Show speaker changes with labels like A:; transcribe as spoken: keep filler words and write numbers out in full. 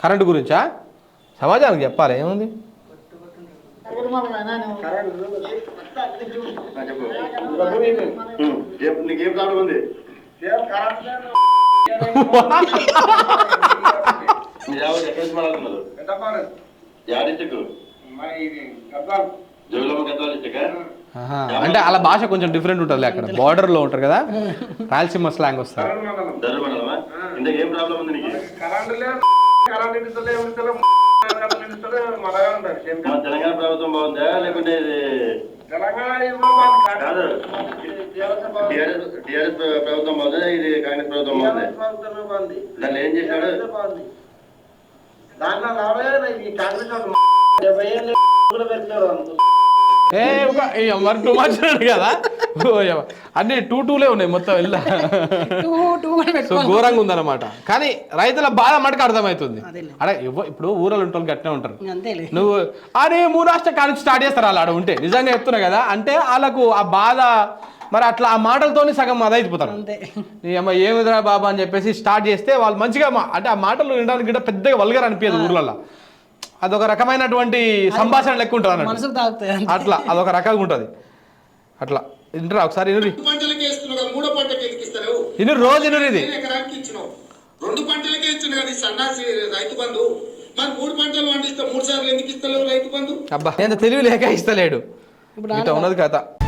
A: Current గురించా సమాజానికి చెప్పాలి ఏముంది
B: నీకేం ప్రాబ్లం ఉంది
A: అంటే అలా భాష కొంచెం డిఫరెంట్ ఉంటుంది అక్కడ బార్డర్ లో ఉంటారు కదా రాయలసీమ స్లాంగ్ వస్తారు
B: తెలంగాణ ప్రభుత్వం బాగుందా లేకుంటే టిఆర్ఎస్ ప్రభుత్వం బాగుందా ఇది కాంగ్రెస్ ప్రభుత్వం బాగుంది దాన్ని ఏం చేశాడు దాంట్లో కాంగ్రెస్
A: ఏ మరి టూ మచ్ కదా అన్ని టూ టూలే ఉన్నాయి మొత్తం వెళ్ళా సో ఘోరంగా ఉందన్నమాట కానీ రైతుల బాధ మటుకు అర్థమవుతుంది అడే ఇప్పుడు ఊరలు ఉంటారు గట్టినే ఉంటారు నువ్వు అరే మూరాష్ట్ర కాలేజ్ స్టార్ట్ చేస్తారు వాళ్ళు ఆడ ఉంటే నిజంగా చెప్తున్నా కదా అంటే వాళ్ళకు ఆ బాధ మరి అట్లా ఆ మాటలతోనే సగం అదైపోతారు నీ అమ్మ ఏమిదిరా బాబా అని చెప్పేసి స్టార్ట్ చేస్తే వాళ్ళు మంచిగా అంటే ఆ మాటలు వినడానికి కూడా పెద్దగా వల్గర్ అనిపించదు ఊర్లలో అదొక రకమైనటువంటి సంభాషణ లెక్క ఉంటుంది అట్లా అదొక రకంగా ఉంటుంది అట్లా ఇంటరా ఒకసారి ఇనురి ఇను రోజు ఇనురు ఇది
C: రెండు పంటలకే ఇచ్చిన కదా సన్నాసి రైతు బంధు మరి మూడు పంటలు పండిస్తే మూడు సార్లు ఎందుకు ఇస్తలేవు రైతు బంధు
A: అబ్బా ఎంత తెలివి లేక ఇస్తలేడు ఇట్లా ఉన్నది కథ.